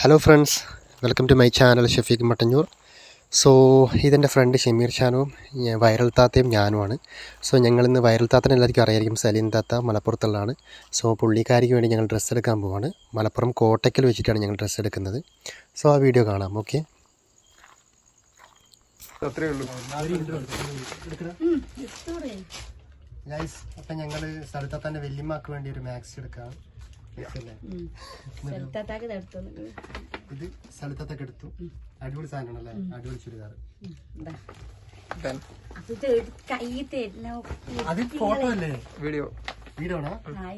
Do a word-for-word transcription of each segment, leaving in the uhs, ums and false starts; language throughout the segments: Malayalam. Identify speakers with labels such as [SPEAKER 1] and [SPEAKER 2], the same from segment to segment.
[SPEAKER 1] Hello friends, welcome to my channel Shafeeq Mattannur. So ഇതെൻ്റെ ഫ്രണ്ട് ഷമീർ ഷാനുവും വൈറൽ താത്തയും ഞാനുമാണ്. സോ ഞങ്ങളിന്ന് വൈറൽ താത്തനെ എല്ലാവർക്കും അറിയായിരിക്കും. സലീം താത്ത മലപ്പുറത്തുള്ളതാണ്. സോ പുള്ളിക്കാരിക്ക് വേണ്ടി ഞങ്ങൾ ഡ്രസ്സ് എടുക്കാൻ പോവാണ്. മലപ്പുറം കോട്ടയ്ക്കൽ വെച്ചിട്ടാണ് ഞങ്ങൾ ഡ്രസ്സ് എടുക്കുന്നത്. സോ ആ വീഡിയോ കാണാം. ഓക്കെ, ഗൈസ്, അപ്പം ഞങ്ങൾ സലിത്താത്താൻ്റെ വല്യമ്മക്ക് വേണ്ടി ഒരു മാക്സ് എടുക്കാം. ഇത് സ്ഥലത്തൊക്കെ എടുത്തു. അടിപൊളി സാധനമാണല്ലേ, അടിപൊളി ചുരിദാർ. അത് ഫോട്ടോ അല്ലേ, വീഡിയോ വീഡിയോ ആണോ?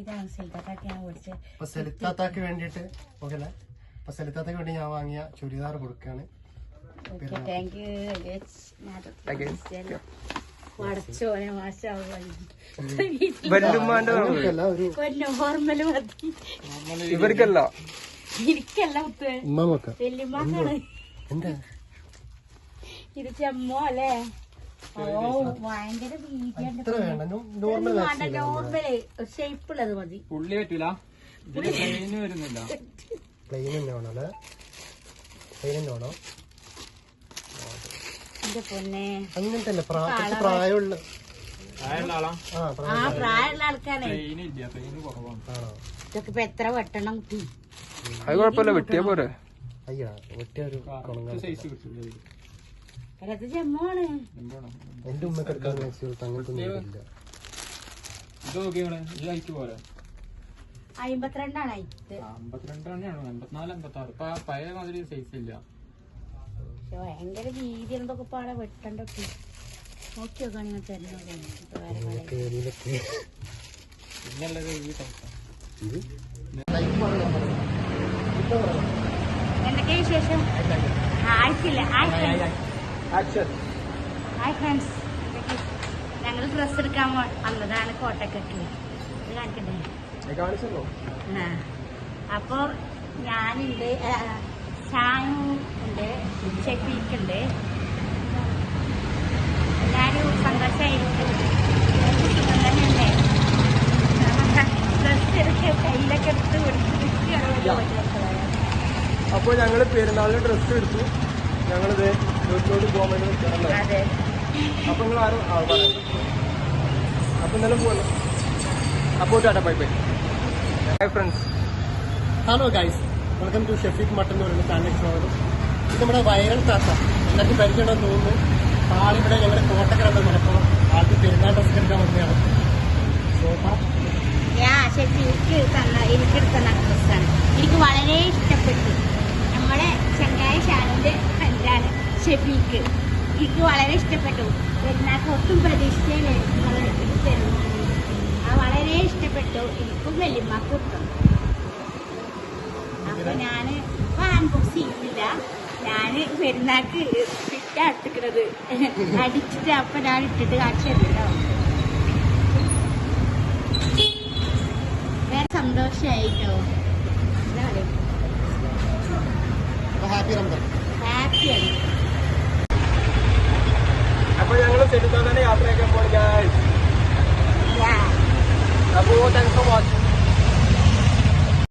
[SPEAKER 1] അപ്പൊ സെലിത്താത്താക്ക് വേണ്ടിട്ട് ഓക്കെ അല്ലേ? അപ്പൊ സെലിത്താത്തക്ക് വേണ്ടി ഞാൻ വാങ്ങിയ ചുരിദാർ കൊടുക്കാണ്.
[SPEAKER 2] ഇവർക്കല്ല
[SPEAKER 3] ഇത് ചെമ്മോ അല്ലേ? ഓ ഭയങ്കര നോർമല് ഷേപ്പുള്ളത് മതി.
[SPEAKER 2] പുള്ളി പറ്റൂല, വരുന്നില്ല.
[SPEAKER 1] പ്ലെയിൻ തന്നെ വേണോ അല്ലേ? പ്ലെയിൻ തന്നെ വേണോ? അങ്ങനത്തെ അല്ല, പ്രായമുള്ള
[SPEAKER 3] ആ പ്രായമുള്ള ആൾക്കാരെ ഇതൊക്കെ ഇപ്പൊ എത്ര വെട്ടണം കുട്ടി?
[SPEAKER 2] അത് കുഴപ്പമില്ല, വെട്ടിയാ പോരെ.
[SPEAKER 1] അയ്യാ, വെട്ടിയ ഒരു
[SPEAKER 3] ചെമ്മാണ്.
[SPEAKER 1] എന്റെ ഉമ്മക്ക് എടുക്കാൻ അങ്ങനത്തെ
[SPEAKER 3] അമ്പത്തിരണ്ടാണ്
[SPEAKER 2] അമ്പത്തിരണ്ടാണ് അമ്പത്തിനാല് അമ്പത്തി ആറ് ഇപ്പൊ പഴയ മാതിരി സൈസ് ഇല്ല.
[SPEAKER 3] ഭയങ്കര വീതി എന്തൊക്കെ പാടെ വെട്ടണ്ടൊക്കെ നോക്കി നോക്കാൻ നിങ്ങൾ എന്തൊക്കെയാ വിശേഷം? ആയിട്ടില്ല. ഹായ് ഫ്രണ്ട്സ്, ഞങ്ങൾ ഡ്രസ് എടുക്കാൻ വന്നതാണ് കോട്ടക്കൊക്കെ. ഇത് കാണിക്കണ്ടേ? ആ, അപ്പൊ ഞാനുണ്ട്, ഷാനു ഉണ്ട്, ഷെഫീഖുണ്ട്. എല്ലാവരും സന്തോഷമായിരിക്കും. തന്നെയല്ലേ ഡ്രസ് എടുത്ത് കയ്യിലൊക്കെ എടുത്ത്
[SPEAKER 2] അപ്പൊ ഞങ്ങള് പെരുന്നാളിന് ഡ്രസ്സ് എടുത്തു. ഞങ്ങളിത് വീട്ടിലോട്ട് പോകാൻ വേണ്ടി നിൽക്കാറല്ലേ? അപ്പൊ നിങ്ങൾ ആരും അപ്പൊ ഇന്നലെ പോകണം. അപ്പോ tata, bye bye. Hi friends.
[SPEAKER 1] Hello guys, welcome to Shafeeq Mattannur എന്ന ചാനലിലേക്ക് സ്വാഗതം. ഇത് നമ്മുടെ വൈറൽ താത്ത, എല്ലാവർക്കും പരിചയമുണ്ടെന്ന് തോന്നുന്നു. ആളിവിടെ ഞങ്ങളുടെ കോട്ടക്കലുണ്ട് മലപ്പുറം. ആൾക്ക് പെരുന്നാൾ ഡ്രസ് എടുക്കാൻ വന്നതാണ്.
[SPEAKER 3] ഷെഫീഖ് തന്ന എനിക്കെടുത്ത ഡ്രസ്സാണ്. എനിക്ക് വളരെ ഇഷ്ടപ്പെട്ടു. നമ്മുടെ ചങ്ങായ ഷാനുവിന്റെ ഫ്രണ്ടാണ് ഷെഫീഖ്. എനിക്ക് വളരെ ഇഷ്ടപ്പെട്ടു. പെരുന്നാൾക്ക് ഒട്ടും പ്രതീക്ഷിച്ചില്ല നിങ്ങൾ ഇത് തരുന്നു. ആ വളരെ ഇഷ്ടപ്പെട്ടു. എനിക്കും വല്യമ്മക്കും കിട്ടും. അപ്പൊ ഞാന് ഇപ്പൊ അൺബോക്സ് ചെയ്യുന്നില്ല. ഞാന് പെരുന്നാൾക്ക് ഫിറ്റാ എടുക്കുന്നത് അടിച്ചിട്ട് അപ്പൊ ഞാൻ ഇട്ടിട്ട് കാണിച്ചു തരുമല്ലോ. വേറെ സന്തോഷായിട്ടോ. ഹാപ്പിയാണ്.
[SPEAKER 2] അപ്പൊ ഞങ്ങള് സെലിത്താനെ യാത്രയൊക്കെ പോയി. അപ്പോ താങ്ക്സ് ഫോർ വാച്ചിങ്.